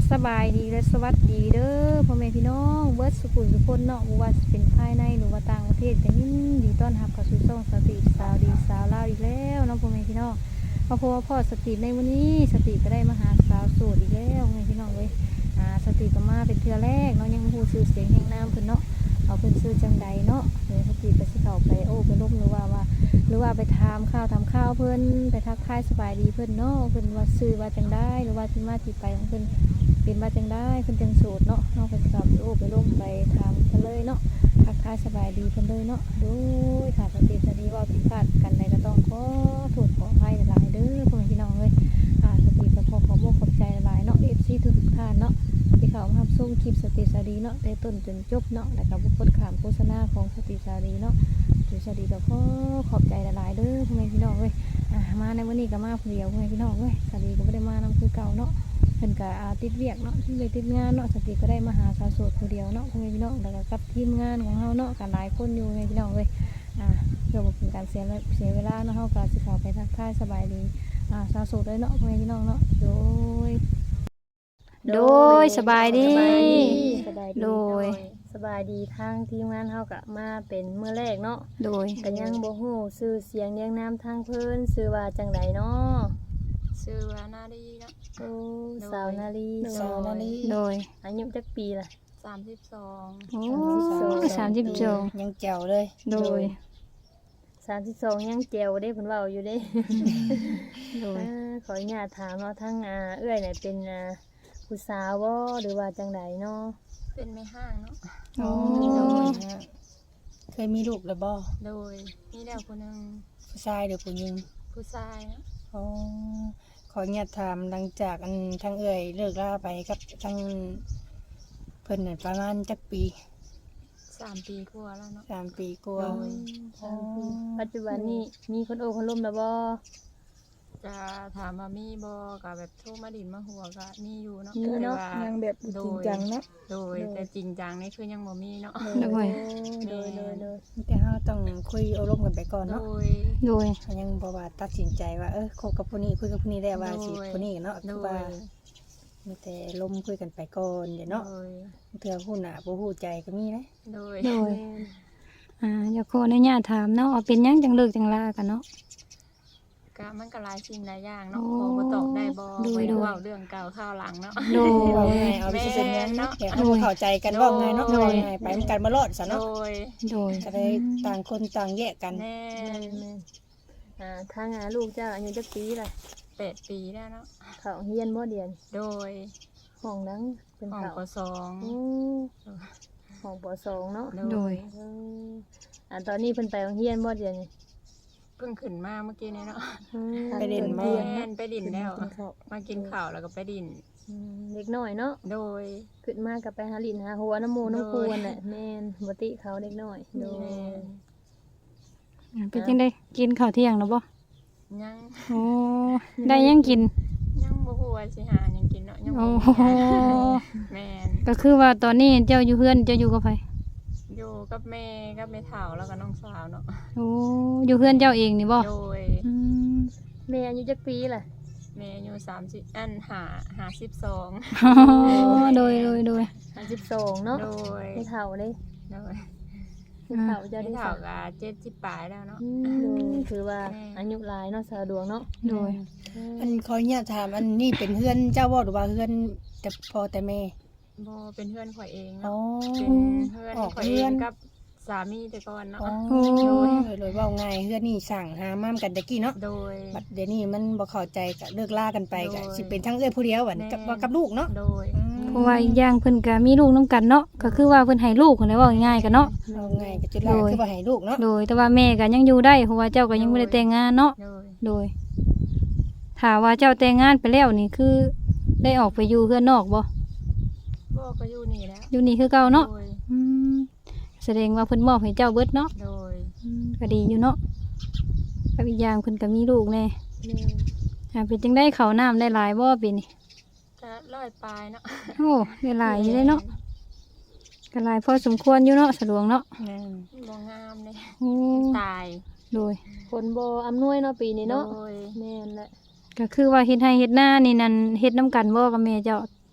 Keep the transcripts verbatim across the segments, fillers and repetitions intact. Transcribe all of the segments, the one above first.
สบายดีและสวัสดีเด้อพ่อแม่พี่น้องเบิร์ดสุขุมสุคนเนาะบ่ว่าสิเป็นภายในหรือว่าต่างประเทศก็ยินดีต้อนรับเข้าสู่ช่องสติสาวดีสาวลาวอีกแล้วเนาะพ่อแม่พี่น้องมาพบกับพ่อสติในวันนี้สติก็ได้มาหาสาวโสดอีกแล้วพ่อแม่พี่น้องเว้ยอ่าสติก็มาเป็นเทื่อแรกเนาะยังบ่ฮู้ชื่อเสียงแห่งนามเพิ่นเนาะเอาเพิ่นชื่อจังใดเนาะเดี๋ยวสติไปสิเข้าไปโอ้ไปลบหรือว่าว่าหรือว่าไปถามข่าวถามข่าวเพิ่นไปทักทายสบายดีเพิ่นเนาะเพิ่นว่าชื่อว่าจังได๋หรือว่าที่มาที่ไปของเพิ่นเป็นมาจังได้เพิ่นจังโสดเนาะเนาะไปสอบโอ้ไปลงไปถามกันเลยเนาะทักทายสบายดีเพิ่นเลยเนาะโดยค่ะสติสดีว่าผิดพลาดกันใดก็ต้องขอโทษขออภัยหลายๆเด้อพ่อแม่พี่น้องเอ้ยอ่าสติก็ขอขอบคุณขอบใจหลายๆเนาะ เอฟ ซี ทุกๆท่านเนาะที่เข้ามารับชมคลิปสติสดีเนาะได้ต้นจนจบเนาะแล้วก็บ่กดข้ามโฆษณาของสติสดีเนาะสติสดีก็ขอขอบใจหลายๆเด้อพ่อแม่พี่น้องเอ้ยอ่ามาในวันนี้ก็มาผู้เดียวพ่อแม่พี่น้องเอ้ยสติก็บ่ได้มานำคือเก่าเนาะเพิ่นก็ติดเวียกเนาะที่เลยติดงานเนาะสติก็ได้มาหาสาวโสดผู้เดียวเนาะพ่อแม่พี่น้องแล้วก็กับทีมงานของเฮาเนาะกันหลายคนอยู่พ่อแม่พี่น้องเอ้ยอ่าเพื่อบ่เป็นการเสียเสียเวลาเนาะเฮาก็สิเข้าไปทักทายสบายดีอ่าสาวโสดเลยเนาะพ่อแม่พี่น้องเนาะโดยโดยสบายดีโดยสบายดีทางทีมงานเฮาก็มาเป็นมื้อแรกเนาะโดยก็ยังบ่ฮู้ชื่อเสียงเรียงนามทางเพิ่นชื่อว่าจังไดเนาะชื่อว่านาดีเนาะโอ้สาวนาลีสาวนาลีโดยอายุจักปีล่ะสามสิบสองโอ้สามสิบสองยังแจ๋วเลยโดยสามสิบสองยังแจ๋วเด้เพิ่นเว้าอยู่เด้โดยขออนุญาตถามเนาะทั้งอ่าเอื้อยเนี่ยเป็นอ่าผู้สาวบ่หรือว่าจังไดเนาะเป็นแม่ห้างเนาะโอ้เคยมีลูกแล้วบ่โดยมีแล้วคนหนึ่งผู้ชายหรือผู้หญิงผู้ชายเนาะอ๋อขออนุญาตถามหลังจากอันทั้งเอ่ยเลิกลาไปกับทั้งเพิ่นน่ะประมาณจักปีสามปีกว่าแล้วเนาะสามปีกว่าสามปีปัจจุบันนี้มีคนโอ้คนล้มแล้วบ่จะถามว่ามีบ่ก็แบบโทรมาดินมาหัวก็มีอยู่เนาะแต่ว่ายังแบบจริงจังเนาะโดยแต่จริงจังนี่คือยังบ่มีเนาะโดยโดยโดยโดยแต่เฮาต้องคุยอารมณ์กันไปก่อนเนาะโดยโดยยังบ่ว่าตัดสินใจว่าเออคบกับผู้นี้คุยกับผู้นี้ได้ว่าสิผู้นี้เนาะคือว่ามีแต่ลมคุยกันไปก่อนเดี๋ยวเนาะเทื่อฮู้หน้าบ่ฮู้ใจก็มีนะโดยโดยอ่าอยากขออนุญาตถามเนาะเป็นหยังจังเลิกจังลากันเนาะก็มันก็หลายสิ่งหลายอย่างเนาะพอบ่ตอบได้บ่ไปเว้าเรื่องเก่าข้าวหลังเนาะโดยว่าไงเอาไปซื่อๆเนาะแต่เฮาเข้าใจกันว่าไงเนาะว่าไงไปมันกันบ่รอดซะเนาะโดยโดยก็ได้ต่างคนต่างแยกกันแม่อ่าทางอ่าลูกเจ้าอายุจักปีล่ะแปดปีแล้วเนาะเข้าเรียนบ่เดือนโดยห้องนั้นเป็นห้องป.สองอือห้องป.สองเนาะโดยอ่าตอนนี้เพิ่นไปโรงเรียนบ่เดือนนี่เพิ่งขึ้นมาเมื่อกี้นี้เนาะไปดินมาไปดินแล้วมากินข้าวแล้วก็ไปดินเล็กน้อยเนาะโดยขึ้นมากับไปหาลินหาหัวน้ำหมูน้ำคูนแหละแม่นบ่ติเขาเล็กน้อยโดยเป็นจังได๋กินข้าวเที่ยงแล้วบ่ยังโอ้ได้ยังกินยังบ่ฮู้ว่าสิหาหยังกินเนาะยังบ่แม่นก็คือว่าตอนนี้เจ้าอยู่เฮือนเจ้าอยู่กับไผอยู่กับแม่กับแม่เฒ่าแล้วก็น้องสาวเนาะโอ้อยู่เฮือนเจ้าเองนี่บ่โดยอืมแม่อายุจักปีล่ะแม่อายุสามสิบอันห้า ห้าสิบสองอ๋อโดยโดยโดยห้าสิบสองเนาะโดยแม่เฒ่าเด้โดยแม่เฒ่าจะได้เฒ่าก็เจ็ดสิบปลายแล้วเนาะคือว่าอายุหลายเนาะสาวดวงเนาะโดยอันขออนุญาตถามอันนี้เป็นเฮือนเจ้าบ่หรือว่าเฮือนแต่พ่อแต่แม่บ่เป็นเพื่อนข่อยเองเนาะเป็นเพื่อนข่อยเองกับสามีแต่ก่อนเนาะโอ้ยเลยว่าง่ายเฮือนนี่สั่งหาม่ามกันตะกี้เนาะโดยบัดเดี๋ยวนี้มันบ่เข้าใจก็เลิกลากันไปก็สิเป็นทั้งเอ้ยผู้เดียวบัดกับกับลูกเนาะโดยเพราะว่าอีกอย่างเพิ่นก็มีลูกนำกันเนาะก็คือว่าเพิ่นให้ลูกเพิ่นได้เว้าง่ายๆกันเนาะเอาง่ายก็จุดแรกคือว่าให้ลูกเนาะโดยแต่ว่าแม่ก็ยังอยู่ได้เพราะว่าเจ้าก็ยังบ่ได้แต่งงานเนาะโดยถ้าว่าเจ้าแต่งงานไปแล้วนี่คือได้ออกไปอยู่เฮือนนอกบ่บ่ก็อยู่นี่แล้วอยู่นี่คือเก่าเนาะอืมแสดงว่าเพิ่นมอบให้เจ้าเบิดเนาะโดยอืมก็ดีอยู่เนาะกับอีกอย่างเพิ่นก็มีลูกแน่อ่าเป็นจังได้ข้าวน้ำได้หลายบ่ปีนี้ก็ร้อยปลายเนาะโอ้ได้หลายอยู่เลยเนาะก็หลายพอสมควรอยู่เนาะสะดวกเนาะบ่งามเลยโอ้ตายโดยฝนบ่อำนวยเนาะปีนี้เนาะแม่นแหละก็คือว่าเฮ็ดให้เฮ็ดหน้านี่นั่นเฮ็ดนำกันบ่กับแม่เจ้า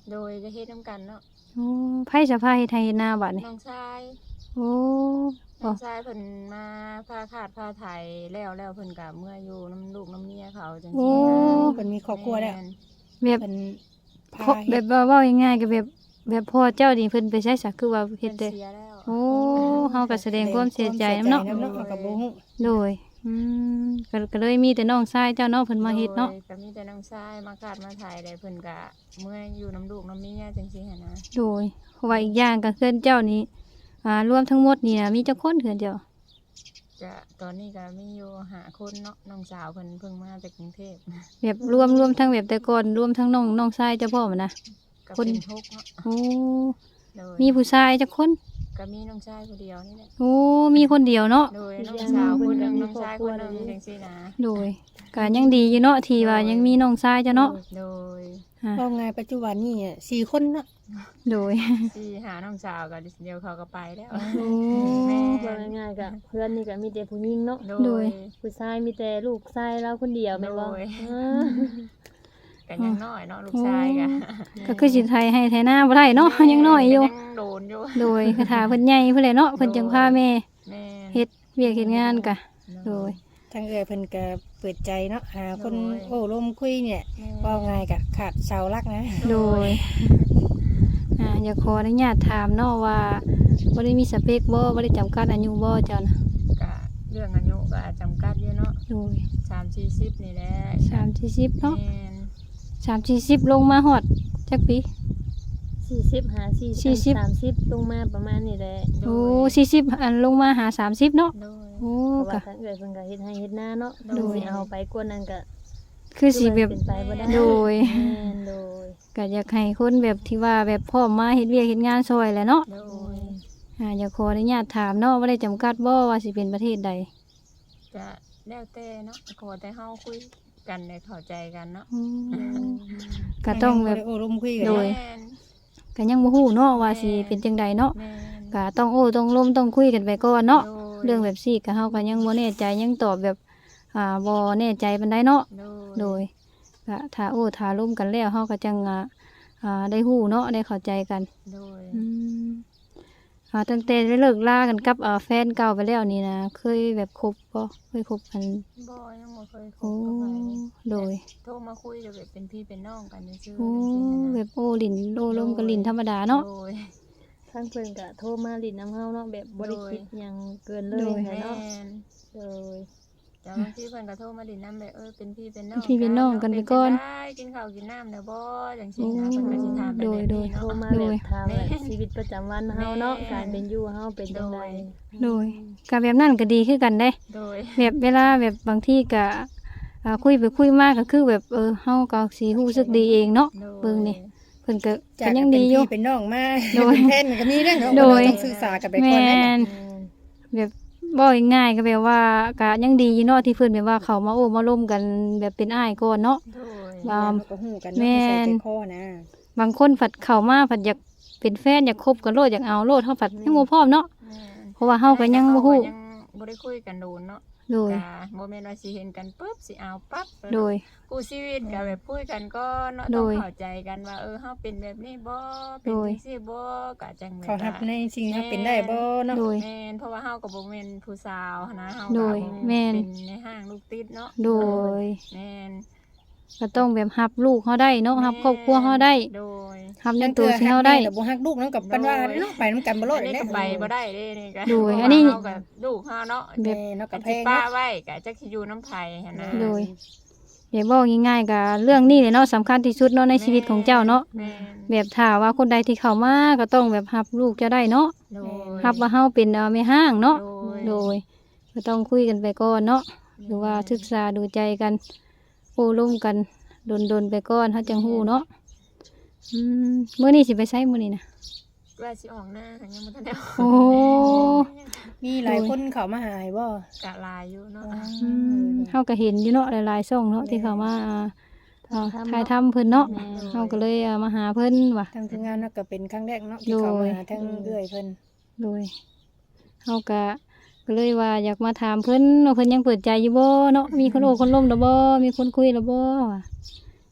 โดยจะเฮ็ดนํกันเนาะโอ้ไผสะพายเฮ็ดไทยเฮ็ดนาบัดนี่น้องชายโอ้น้องชายเพิ่นมาพาขาดพาไถแล้วแล้วเพิ่นก็เมื่ออยู่น้ำลูกน้ำเมียเขาจังโอ้ซี่นะเพิ่นมีครอบครัวแล้วม่นแบบเพิ่นพาเพราะแบบว่าเว้าง่ายๆก็แบบแบบพ่อเจ้านี่เพิ่นไปใช้สักคือว่าเฮ็เพิ่ดนได้เสียแล้วโอ้เฮาก็แสดงความเสียใจนํเนาะแสดงความเสียใจนำเนาะเฮาก็บ่ฮู้โดยอืมก็ก็เลยมีแต่น้องชายเจ้าเนาะเพิ่นมาเฮ็ดเนาะโยก็มีแต่น้องชายมาขาดมาไถได้เพิ่นก็เมื่ออยู่น้ำลูกน้ำเมียจังซี่หั่นนะโดยเพราะว่าอีกอย่างก็เพื่อนเจ้านี่อ่ารวมทั้งหมดนี่นะมีจักคนเพื่อนเจ้าจะตอนนี้ก็มีอยู่หาคนเนาะน้องสาวเพิ่นเพิ่งมาจากกรุงเทพแบบรวมรวมทั้งแบบแต่ก่อนรวมทั้งน้องน้องชายเจ้าพ่อมันนะก็คนเป็นทุกข์เนาะโอ้โดยมีผู้ชายจักคนก็มีน้องชายคนเดียวนี่แหละโอ้มีคนเดียวเนาะโดยน้องสาวคนหนึงน้องชายคนหนึงจังซี่นะโดยก็ยังดีอยู่เนาะที่ว่ายังมีน้องชายเจ้าเนาะโดยอ่ะเอาไงปัจจุบันนี่เนี่ยสี่คนเนาะโดยที่หาน้องสาวก็เดี๋ยวเขาก็ไปแล้วโอ้แม่ว่าง่ายๆก็เพื่อนนี่ก็มีแต่ผู้หญิงเนาะโดโดยยผู้ชายมีแต่ลูกชายเราคนเดียวแม่นบ่โดยเออกันยังน้อยเนาะลูกชายก็ก็คือสิไทยให้ไทยหน้าบ่ได้เนาะยังน้อยอยู่งโดนอยู่โดยคาถาเพิ่นใหญ่เพิ่นแหละเนาะเพิ่นจังพาแม่แม่เฮ็ดเวียกเฮ็ดงานกะโดยทางเอื้อยเพิ่นก็เปิดใจเนาะหาคนโดยโอ้ลมคุยเนี่ยแม่ว่าไงก็ขาดเสาหลักนะโดย อ่าอยากขออนุญาตถามเนาะว่าบ่ได้มีสเปคบ่บ่ได้จำกัดอายุบ่เจ้านะก็เรื่องอายุก็จำกัดอยู่เนาะโดยสามสี่สิบนี่แหละสามสี่สิบเนาะแม่นสามสี่สิบลงมาฮอดจักปีสี่สิบหาสี่สี่สิบสามสิบลงมาประมาณนี้แหละโดโอ้ยสี่สิบอันลงมาหาสามสิบเนาะโดยโอ้เพราะก็ว่าทางเอื้อยเพิ่นก็เฮ็ดให้เฮ็ดหน้าเนาะโดยสิเอาไปกว่านั้นก็คือสิแบบเป็นไปบ่ได้โดยแม่นโดยก็อยากให้คนแบบที่ว่าแบบพร้อมมาเฮ็ดเวียกเฮ็ดงานซอยแหละเนาะโดยอ่าอยากขออนุญาตถามเนาะว่าได้จำกัดบ่ว่าสิเป็นประเทศใดจะแล้วแต่เนาะขอแต่เฮาคุยกันได้เข้าใจกันเนาะอืมก็ต้องแบบโอ้ลมคุยกันโดยแม่นก็ยังบ่ฮู้เนาะว่าสิเป็นจังใดเนาะแม่นก็ต้องโอ้ต้องล้มต้องคุยกันไปก่อนเนาะโดยเรื่องแบบซี่ก็เฮาก็ยังบ่แน่ใจยังตอบแบบอ่าบ่แน่ใจปานใดเนาะโดยโดยก็ถ้าโอ้ถ้าล้มกันแล้วเฮาก็จังอ่าอ่าได้ฮู้เนาะได้เข้าใจกันโดยอืมอ่าตั้งแต่ได้เลิกลากันกับอ่าแฟนเก่าไปแล้วนี่นะเคยแบบคบบ่เคยคบกันบ่ยังบ่เคยคโอ้บกับใครโดยโทรมาคุยจะแบบเป็นพี่เป็นน้องกันซื่อๆโอ้จังซี่นะแบบโอ้ลิ้นโอ้ลมกับลิ้นธรรมดาเนาะโดยทางเพิ่นก็โทรมาลิ้นน้ำเฮาเนาะแบบบ่ได้คิดหยังเกินเลยโดยแหละแม่เนาะนโดยแต่บางทีเพิ่นก็โทรมาดินน้ำแบบเออเป็นพี่เป็นน้องเป็นพี่เป็นน้องกันไปก่อนเป็ได้กินข้าวกินน้ำแล้วบ่จังซี่นะเพิ่นก็สิถามไปโดแบยบโดนี้ยโทรเนาะมาแบบถามแบบชีวิตประจำวันเฮาเนาะแม่การเป็นอยู่เฮาเป็นจังไดโดยก็แบบนั้นก็ดีคือกันเด้โดยแบบเวลาแบบบางทีก็อ่าคุยไปคุยมากก็คือแบบเออเฮาก็สิรู้สึกดีเองเนาะโดยเบิ่งนี่เพิ่นก็จาก็กยังเป็นดีอยู่พี่เป็นน้องมาโดยเป็นแฟนก็มีเรื่องเนาะโดยเราต้องสื่อสารกันไปก่อนแม่นะนแบบบ่ง่ายๆก็แบบว่าก็ยังดีอยู่เนาะที่เพิ่นแบบว่าเขามาโอ้มาร่วมกันแบบเป็นอ้ายก่อนเนาะโดยว่าเราก็ฮู้กันแม่เนาะนใส่ใจคอนะบางคนผัดเข้ามาผัดอยากเป็นแฟนอยากคบกันโลดอยากเอาโลดเฮาผัดยังบ่พร้อมเนาะแม่นเพราะว่าเฮาก็ยังบ่ฮู้ยังบ่ได้คุยกันโดนเนาะโดยก็บ่แม่นว่าสิเห็นกันปุ๊บสิเอาปั๊บโดยคู่ชีวิตก็แบบคุยกันก็เนาะโดต้องยเข้าใจกันว่าเออเฮาเป็นแบบนี้บ่เป็นโดยจังซี่บ่ก็จังแบบเขาทับว่าในสิ่งที่เขาเป็นได้บ่เนาะโดยแม่นเพราะว่าเฮาก็บ่แม่นผู้สาวนะเฮาโดก็ยบ่แม่นเป็นในห้างลูกติดเนาะโดยแม่นก็ต้องแบบรับลูกเฮาได้เนาะรับครอบครัวเฮาได้โดยรับในตัวที่เฮาได้แต่บ่ฮักลูกเนาะกับปันว่าเนาะไปนำกันบ่รอดอันนี้แน่ก็ไปบ่ได้เด้นี่ก็โดยเพราะว่าอันนี้เฮาก็ลูกเฮาเนาะแม่เนาะกักับบแพที่งป้าเนาะไว้ก็จักสิอยู่น้ำไผหั่นนะโดย อย่าบอกง่ายๆกับเรื่องนี้เลยเนาะสำคัญที่สุดเนาะในชีวิตของเจ้าเนาะแม่นแบบถ้าว่าคนใดที่เข้ามาก็ต้องแบบรับลูกจะได้เนาะโดยรับว่าเฮาเป็นเอ่อแม่ห้างเนาะโดยโดยก็ต้องคุยกันไปก่อนเนาะหรือว่าศึกษาดูใจกันโอ้ร่วมกันดนๆไปก่อนเฮาจังฮู้เนาะอืมมื้อนี้สิไปใช้มื้อนี้นะว่าสิออกหน้าก็ยังบ่ทันได้ออกโอ้มีหลายคนเข้ามาหาให้บ่กะลายอยู่เนาะอืมเฮาก็เห็นอยู่เนาะหลายๆช่องเนาะที่เข้ามาอ่าอ่าถ่ายทำเพิ่นเนาะเฮาก็เลยอ่ามาหาเพิ่นว่ะทางทีมงานเนาะก็เป็นครั้งแรกเนาะที่เข้ามาหาทางเอื้อยเพิ่นโดยเฮาก็ก็เลยว่าอยากมาถามเพิ่นว่าเพิ่นยังเปิดใจอยู่บ่เนาะมีคนโอ้คนล้มแล้วบ่มีคนคุยแล้วบ่ว่ะ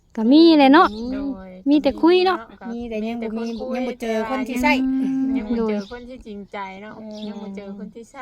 ก็มีแหละเนาะโดยมีแต่คุยเนาะมีแต่ยังบ่มีคุยังบ่เจอคนที่ใช่ยังบ่โดเจยอคนที่จริงใจเนาะยังบ่เจอคนที่ใช่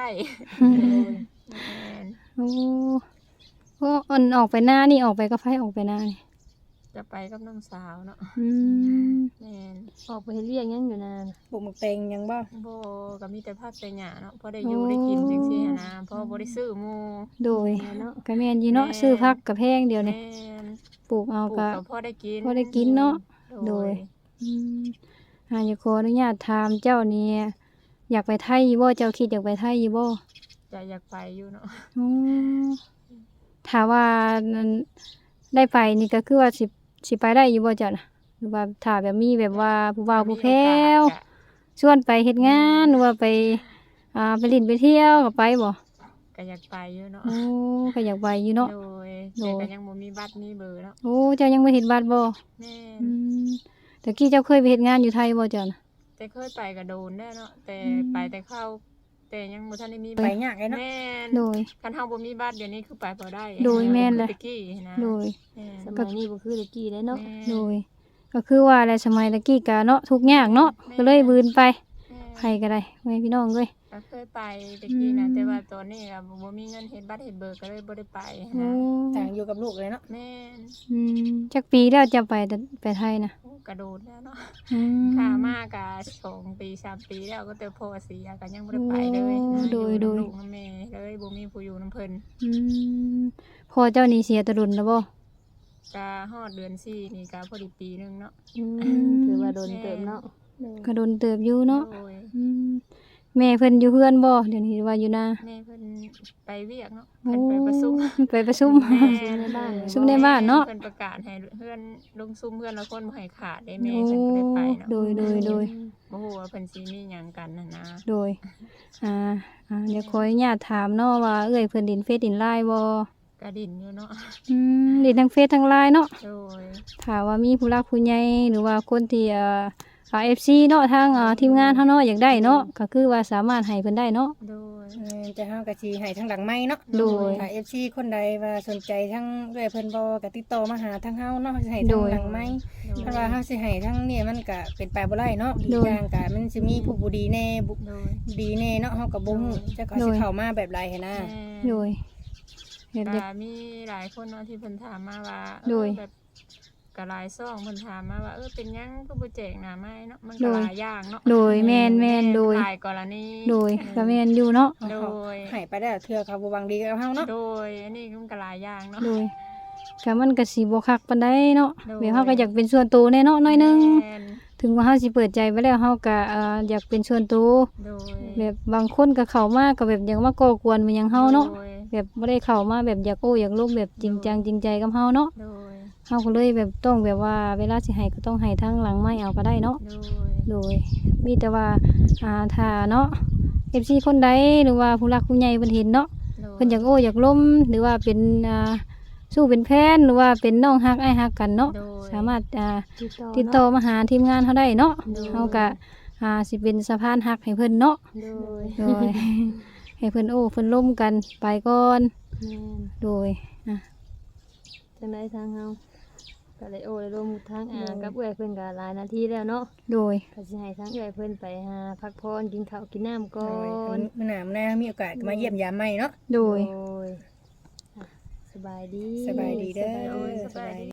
โอ้โอ้อันออกไปหน้านี่ออกไปกับไผออกไปหน้านี่จะไปกับน้องสาวเนาะอืมแม่นออกไปเฮ็ดเวียกหยังอยู่นานปลูกหมักแตงยังบ่บ่ก็มีแต่ผักแต่หญ้าเนาะพอได้อยู่ได้กินจังซี่หันนะเพราะบ่ได้ซื้อหมู่โดยเนาะก็แม่นอยู่เนาะซื้อผักกับแพงเดียวนี่แม่นปลูกเอาปลูกก็ก็พอได้กินพอได้กินเนาะโดโดยย อืมอ่าอย่าขออนุญาตถามเจ้านี่อยากไปไทยอยู่บ่เจ้าคิดอยากไปไทยอยู่บ่จะอยากไปอยู่เนาะอืมถ้าว่านั่นได้ไปนี่ก็คือว่าสิสิไปได้อยู่บ่เจ้าน่ะหรือว่าถ้าแบบมีแบบว่าผู้บ่าวผู้แพ้วมีโอกาสชวนไปเฮ็ดงานหรือว่าไปอ่าไปเลินไปเที่ยวก็ไปบ่ก็อยากไปอยู่เนาะโอ้ก็อยากไปอยู่เนาะโดยโดแต่ยก็ยังบ่มีบัตรมีเบอร์เนาะโอ้เจ้ายังบ่เฮ็ดบัตรบ่แม่นอืมแต่กี้เจ้าเคยไปเฮ็ดงานอยู่ไทยบ่เจ้าน่ะแต่เคยไปก็โดนได้เนาะแต่อืมไปแต่เข้าแต่ยังบ่ทันได้มีไปยากเลยเนาะแม่นโดยคันเฮาบ่มีบัตรเดี๋ยวนี้คือไปบ่ได้โดยแม่นเลยคือตะกี้นะโดยแม่นสมัยนี้บ่คือแตะกี้ได้เนาะแม่นโดย ก็คือว่าแหละสมัยตะกี้ก็เนาะทุกข์ยากเนาะก็เลยบืนไปแม่นไผก็ได้แม่พี่น้องเอ้ยก็เคยไปตะกี้นะอืมแต่ว่าตอนนี้ก็บ่มีเงินเฮ็ดบัตรเฮ็ดเบอร์ก็เลยบ่ได้ไปโอ้นะต่างอยู่กับลูกเลยเนาะแม่นอืมจักปีแล้วจะไปแต่ไปไทยน่ะโอ้กระโดดแล้วเนาะอืมค่ามากก็สองปีสามปีแล้วก็แต่พ่อเสียก็ยังบ่ได้ไปเลยนะโอ้โดยอโดยนำลูกนำแม่เลยบ่มีผู้อยู่นำเพิ่นอืมพ่อเจ้านี่เสียแตะดุนแล้วบ่ก็ฮอดเดือนสี่นี่ก็พอดีปีหนึงเนาะอืมถือว่าโดนเติมเนาะก็โดนเติบอยู่เนาะโดยอืมแม่เพิ่นอยู่เฮือนบ่เดี๋ยวนี้ว่าอยู่นาแม่เพิ่นไปเวียกเนาะโอ้เพิ่นไปประชุมไปประชุมแม่ในบ้านประชุมในบ้านเนาะเพิ่นประกาศให้เพื่อนลงซุ่มเพื่อนละคนบ่ให้ขาดได้โอ้แม่เพิ่นก็ได้ไปเนาะโดยโดยโดยบ่ฮู้ว่าเพิ่นสิมีหยังกันน่ะนะโดย อ่า อ่า เดี๋ยวขออนุญาตถามเนาะว่าเอ้ยเพิ่นดินเฟซดินไลน์บ่กระดินอยู่เนาะอืมดินทั้งเฟซทั้งไลน์เนาะโดยถ้าว่ามีผู้รักผู้ใหญ่หรือว่าคนที่เอ่ออ่า เอฟ ซี เนาะทางอ่าทีมงานเฮาเนาะอยากได้เนาะก็คือว่าสามารถให้เพิ่นได้เนาะโดยเออจะเฮาก็สิให้ทางหลังไม้เนาะโดยถ้า เอฟ ซี คนใดว่าสนใจทั้งเอื้อยเพิ่นบ่ก็ติดต่อมาหาทางเฮาเนาะสิให้โดทางยหลังไม้ เพราะว่าเฮาสิให้ทั้งนี่มันก็เป็นไปบ่ได้เนาะอีโดกยอย่างก็มันสิมีผู้บ่ดีแน่บุโดยดีแน่เนาะเฮาก็บ่ฮู้จักเขาสิเข้ามาแบบไรหันนะแม่โดยเฮ็ดก็เด็กมีหลายคนเนาะที่เพิ่นถามมาว่าเออโดยแบบก็หลายซ่องเพิ่นถามมาว่าเออเป็นหยังคือบ่แจกหน้าไม้เนาะมันโดก็ยหลายอย่างเนาะโดยแม่นแม่นโดยหลายกรณีโดยก็แม่นอยู่เนาะโดยให้ไปได้เทื่อเขาบ่หวังดีกับเฮาเนาะโดยอันนี้มันก็หลายอย่างเนาะโดยก็มันก็สิบ่คักปานใดเนาะโดยแบบเฮาก็อยากเป็นส่วนตัวแน่เนาะหน้อยหนึงแม่นถึงว่าเฮาสิเปิดใจไปแล้วเฮาก็เอ่ออยากเป็นส่วนตัวโดยแบบบางคนก็เข้ามาก็แบบอยากมาก่อกวนมันหยังเฮาเนาะโดยแบบบ่ได้เข้ามาแบบอยากโอ้อยากลมแบบจริงจังจริงใจกับเฮาเนาะโดยเฮาก็เลยแบบต้องแบบว่าเวลาสิให้ก็ต้องให้ทางหลังไม้เอาก็ได้เนาะโดยโดยมีแต่ว่าอ่าถ้าเนาะ เอฟ ซี คนใดหรือว่าผู้รักผู้ใหญ่เพิ่นเห็นเนาะโดยเพิ่นอยากโอ้อยากล้มหรือว่าเป็นอ่าสู้เป็นแพนหรือว่าเป็นน้องฮักอ้ายฮักกันเนาะโดยสามารถอ่าติดต่อติดต่อมาหาทีมงานเฮาได้เนาะโดยเฮาก็อ่าสิเป็นสะพานฮักให้เพิ่นเนาะโดยโดย ให้เพิ่นโอ้เพิ่นล้มกันไปก่อนแม่นโดยอ่ะจังไดทางเฮาก็เลยโอ้เลยร่วมทางอ่ากับเอื้อยเพิ่นก็หลายนาทีแล้วเนาะโดยก็สิให้ทางเอื้อยเพิ่นไปหาพักผ่อนกินข้าวกินน้ำก่อโดยนมื้อหน้ามื้อหน้ามีโอกาสก็มาเยี่ยมยามใหม่เนาะโดยโดยอ่ะสบายดีสบายดีเด้อโดยสบายดี